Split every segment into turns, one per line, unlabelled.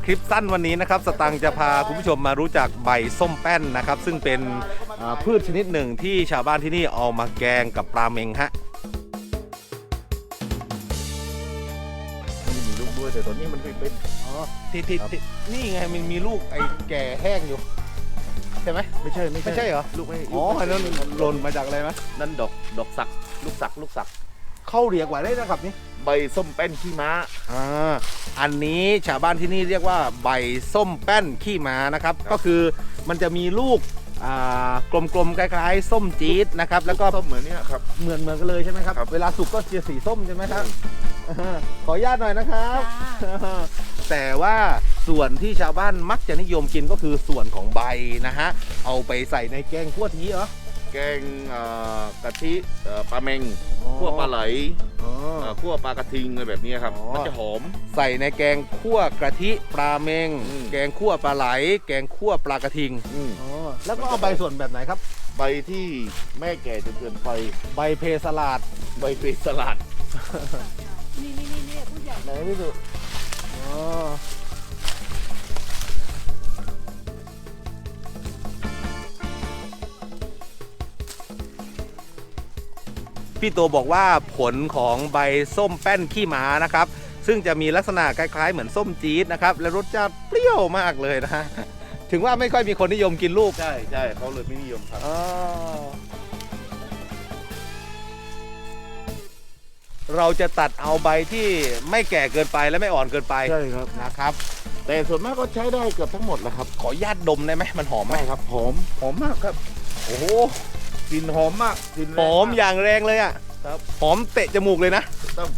คลิปสั้นวันนี้นะครับสตังค์จะพาคุณผู้ชมมารู้จักใบส้มแป้นนะครับซึ่งเป็นพืชชนิดหนึ่งที่ชาวบ้านที่นี่เอามาแกงกับปลาเม็งฮะ
มีลูกด้วยแต่ตอนนี้มันเป็น
อ๋อที่นี่ไงมันมีลูกไอ้แก่แห้งอยู่ใช่ไหมไม่ใช่เหรอ
ลูกไม่
อ๋ออันนั้นหล่นมาจากอะไรไหม
นั่นดอกสักลูกสัก
เข้าเรียกว่าได้นะครับนี่
ใบส้มแป้นขี้ม้า
อันนี้ชาวบ้านที่นี่เรียกว่าใบส้มแป้นขี้ม้านะครับก็คือมันจะมีลูกกลมๆคล้ายๆส้มจี๊ดนะครับแล้วก็
ส้มเหมือนเนี้ยครับ
เหมือนกันเลยใช่ไหมครับเวลาสุกก็จะสีส้มใช่ไหมครับขออนุญาตหน่อยนะครับแต่ว่าส่วนที่ชาวบ้านมักจะนิยมกินก็คือส่วนของใบนะฮะเอาไปใส่ในแกงคั่วทีเหรอ
แกงกะทิปลาเมงคั่วปลาไหลคั่วปลากระทิงอะไรแบบนี้ครับมันจะหอม
ใส่ในแกงคั่วกะทิปลาเมงแกงคั่วปลาไหลแกงคั่วปลากระทิงแล้วก็เอาใบส่วนแบบไหนครับ
ใบที่แม่แก่จนเกินไป
ใบเพสลัด
ใบเพสลัด
นี่ผู้ใหญ่
ไหนพี่สุพี่โตบอกว่าผลของใบส้มแป้นขี้ม้านะครับซึ่งจะมีลักษณะคล้ายๆเหมือนส้มจี๊ดนะครับและรสชาติเปรี้ยวมากเลยนะถึงว่าไม่ค่อยมีคนนิยมกินลูก
ใช่เขาเลยไม่นิยมครับ
เราจะตัดเอาใบที่ไม่แก่เกินไปและไม่อ่อนเกินไป
ใช่ครับ
นะครับ
แต่ส่วนมากก็ใช้ได้เกือบทั้งหมดแหละครับ
ขอญาตดมได้ไหมมันหอมไหม
ครับหอมมากครับ
โอ้โห
กลิ่นหอมมากกลิ่น
หอมอย่างแรงเลยอ่ะ
ครับ
หอมเตะจมูกเลยนะ
ต้อง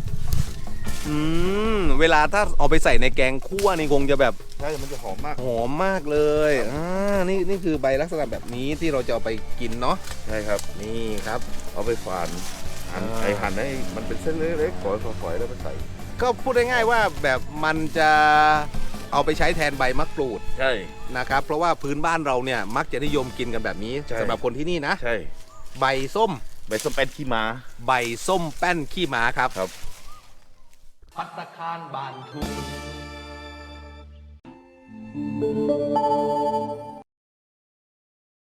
เวลาถ้าเอาไปใส่ในแกงคั่วนี่คงจะแบบ
ใช่มันจะหอมมาก
เลยนี่คือใบลักษณะแบบนี้ที่เราจะเอาไปกินเนาะ
ใช่ครับ
นี่ครับ
เอาไปฝานหั่นให้มันเป็นเส้นเล็กๆฝอยแล้วไปใส่
ก็พูดง่ายๆว่าแบบมันจะเอาไปใช้แทนใบมะกรูด
ใช่
นะครับเพราะว่าพื้นบ้านเราเนี่ยมักจะนิยมกินกันแบบนี้สำหรับคนที่นี่นะ
ใช่
ใบส้ม
แป้นขี้ม้า
ใบส้มแป้นขี้ม้าครับ
ภัตตาคารบ้านทุ่ง